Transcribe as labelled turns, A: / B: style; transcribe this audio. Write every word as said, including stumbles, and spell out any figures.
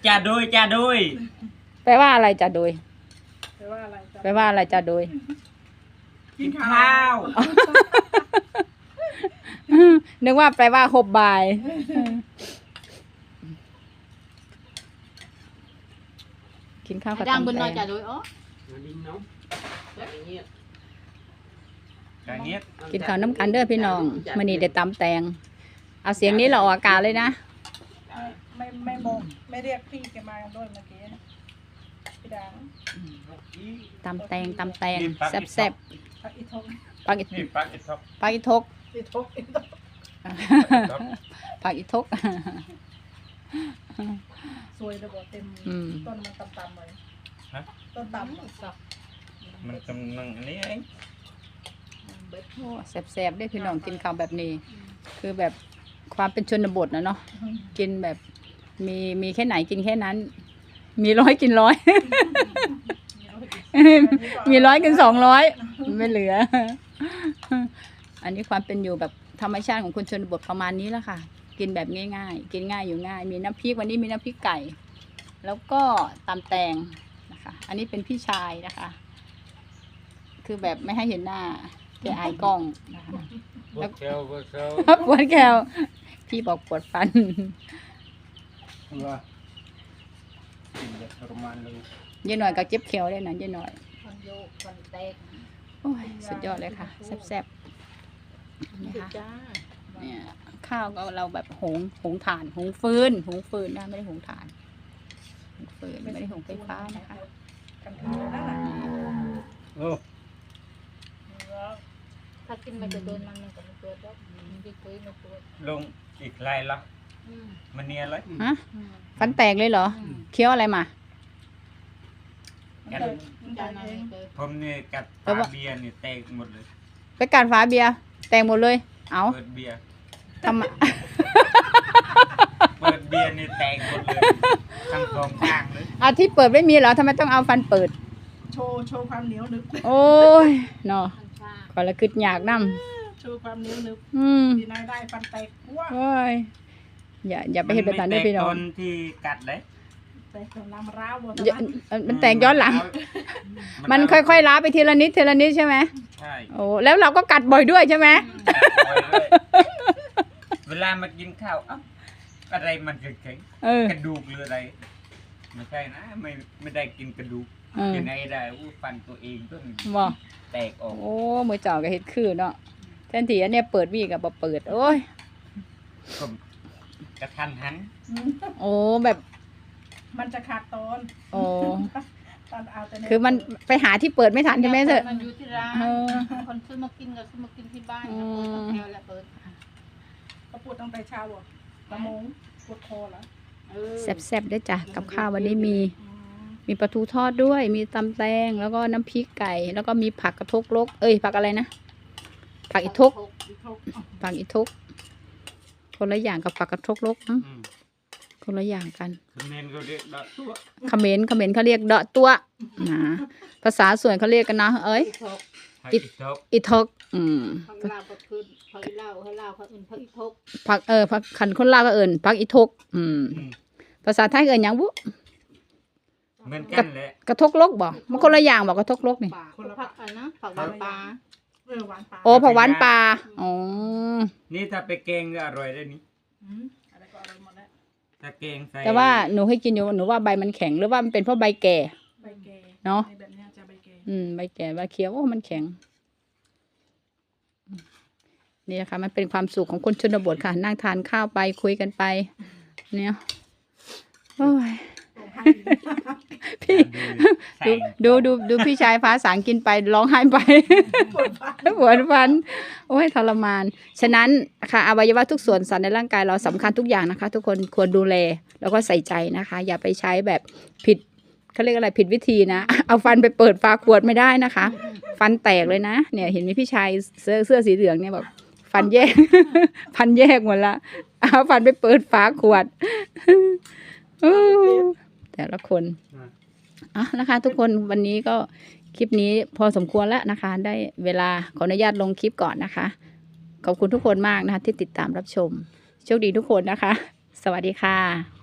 A: จ่าโดยจ่าโดย
B: แปลว่าอะไรจ่าโดย
C: แปลว่าอะไร
B: แปลว่าอะไรจ่าโดย
A: กินข้าว
B: นึกว่าแปลว่าหบบายกินข้าวกับตำแตงกินข้าวน้ำกันเด้อพี่น้องมื้อนี้ได้ตำแตงเอาเสียงนี้เราออกอากาศเลยนะ
C: ไม่ไม่บอกไม่เรียกพี่แกมาด้วยเมื่อกี้พี่ดัง
B: ตำแตงตำแตงแซ่บแซ่บ
C: ปักอีทก
B: ปักอี
A: ปักอีทก
B: ปักอีทก
C: อีทกอีทก
B: ปักอีทก
C: สวยเลยบอกเต็มต้นมันตำตำเลยต้นตำสับ
A: มันกำลังอันนี้เอง
B: แซ่บแซ่บได้พี่น้องกินข้าวแบบนี้คือแบบความเป็นชนบทนะเนาะกินแบบมีมีแค่ไหนกินแค่นั้นมีร้อยกินร้อยมีร้อยกินสองร้อยไม่เหลืออันนี้ความเป็นอยู่แบบธรรมชาติของคนชนบทประมาณนี้แหละค่ะกินแบบง่ายๆกินง่ายอยู่ง่ายมีน้ำพริกวันนี้มีน้ำพริกไก่แล้วก็ตำแตงนะคะอันนี้เป็นพี่ชายนะคะคือแบบไม่ให้เห็นหน้าแกอายกล้องนะคะ
A: ปวดแขวปวดแขว
B: ปวดแขวพี่บอกปวดฟัน
A: ว่ากินแบบทรมานเลย
B: เย็นหน่อยก็เจ็บแขวได้นะเย็นหน่อย
C: ฟันโยกฟันแตก
B: โอ้ยสุดยอดเลยค่ะแซ่บๆนี่ค่ะเนี่ยข้าวก็เราแบบหุงหุงถ่านหุงฟืนหุงฟืนนะไม่ได้หุงถ่านหุงฟืนไม่ได้หุงไฟฟ้านะคะ
A: โอ้
C: ถ้ากินมันจะโดนมันมันก็ไม่เกิดแล้วมันจะเกิดไม่เกิด
A: ลงอีกไรละมันเนียเลย
B: ฮะฟันแตกเลยเหรอเคี้ยวอะไรมา
A: ผมเนี่ยกัดฝาเบียร์เนี่ยแตกหมดเลย
B: ไปกัดฝาเบียร์แตกหมดเลยเอา
A: เปิดเบียร์
B: ทำไม
A: เปิดเบียร์เนี่ยแตกหมดเลยทั้งสองข้างเลย
B: อาที่เปิดไม่มีเหรอทำไมต้องเอาฟันเปิด
C: โชว์โชว์ความเหนียวนึก
B: โอ้ยเนาะก่อนละกึดอยากนั่ม
C: โชว์ความเหนียวนึกดีนายได้ฟันแตกว้า
B: โอ้ยอย่าอย่าไปเห็นแบบนั้นด้วยพี่น้อง
A: คนที่กัดเลย
C: แตกน้ำร้าวหมด
B: มันแตกย้อนหลังมันค่อยๆล้าไปทีละนิดทีละนิดใช่ไหม
A: ใช่
B: โอ้แล้วเราก็กัดบ่อยด้วยใช่ไหม
A: เวลามากินข้าวอ่ะอะไรมันแข็งกระดูกหรืออะไรไม่ใช่นะไม่ไม่ได้กินกระดูกกินอะไรได้อู้ฟันตัวเองต้นแตกออก
B: โอ้มือจ่อกับเห็ดคือเนาะแทนที่อันเนี้ยเปิดวีกับบ่เปิดโอ้ย
A: กระทันหัน
B: โอ้แบบ
C: มันจะขาดตอน
B: โอ้คือมันไปหาที่เปิดไม่ทันใช่ไหมเธอ
C: มันอยู่ที่ร้านคนซื้อมากินกับซื้อมากินที่บ้านแถวละเปิดเขาปวดตั้งแต่เช้าอ่ะละมงปวดคอแล้ว
B: แซ่บๆได้จ้ะกับข้าววันนี้มีมีปลาทูทอดด้วยมีตำแตงแล้วก็น้ำพริกไก่แล้วก็มีผักกระทกลกเอ้ยผักอะไรนะผักอีทกผักอีทกคนละอย่างกับผักกระทกลกนะคนละอย่างกัน
A: เขมรเขาเรียกดอกตัว
B: เขมรเขมรเขาเรียกดอกตัวนะภาษาส่วนเขาเรียกกันนะเอ้ย
A: อีทก
B: อีทกอืม
C: ผักลาวก็คือผักลาวให้ลาวเขาเอิ้นผักอีทก
B: ผักเออผักขันคนลาวก็เอิ้นผักอีทกอืมภาษาไทยเอิ้นหยังบุ
A: เหมือนกันแหละ
B: กระทกลกบ่มันคนละอย่างบ่กระทกลกนี่
C: คนละผักอะไรนะผักหวานปลาเออหวานปลา
B: โอ้ผักหวานปลาอ๋อ
A: นี่ถ้าไปแกงก็อร่อยได้นี่
C: อะไรก็อร่อยหมดแล้ว
A: ถ้าแกงใส่
B: แต่ว่าหนูให้กินอยู่หนูว่าใบมันแข็งหรือว่ามันเป็นเพราะใบแก่
C: ใบแก่
B: เนาะ
C: แบบนี้จะใบแก่
B: อืมใบแก่ใบเขียวว่ามันแข็งนี่นะคะมันเป็นความสุขของคนชนบทค่ะนั่งทานข้าวไปคุยกันไปเนี่ยโอ้ยพี่ดูดูดูพี่ชายฟ้าสางกินไปร้องไห้ไปปวดฟันโอ้ยทรมานฉะนั้นค่ะอวัยวะทุกส่วนสันในร่างกายเราสำคัญทุกอย่างนะคะทุกคนควรดูแลแล้วก็ใส่ใจนะคะอย่าไปใช้แบบผิดเขาเรียกอะไรผิดวิธีนะเอาฟันไปเปิดฝาขวดไม่ได้นะคะฟันแตกเลยนะเนี่ยเห็นมีพี่ชายเสื้อเสื้อสีเหลืองเนี่ยแบบฟันแยกฟันแยกหมดละเอาฟันไปเปิดฝาขวดแต่ละคนอ่ะนะคะทุกคนวันนี้ก็คลิปนี้พอสมควรแล้วนะคะได้เวลาขออนุญาตลงคลิปก่อนนะคะขอบคุณทุกคนมากนะคะที่ติดตามรับชมโชคดีทุกคนนะคะสวัสดีค่ะ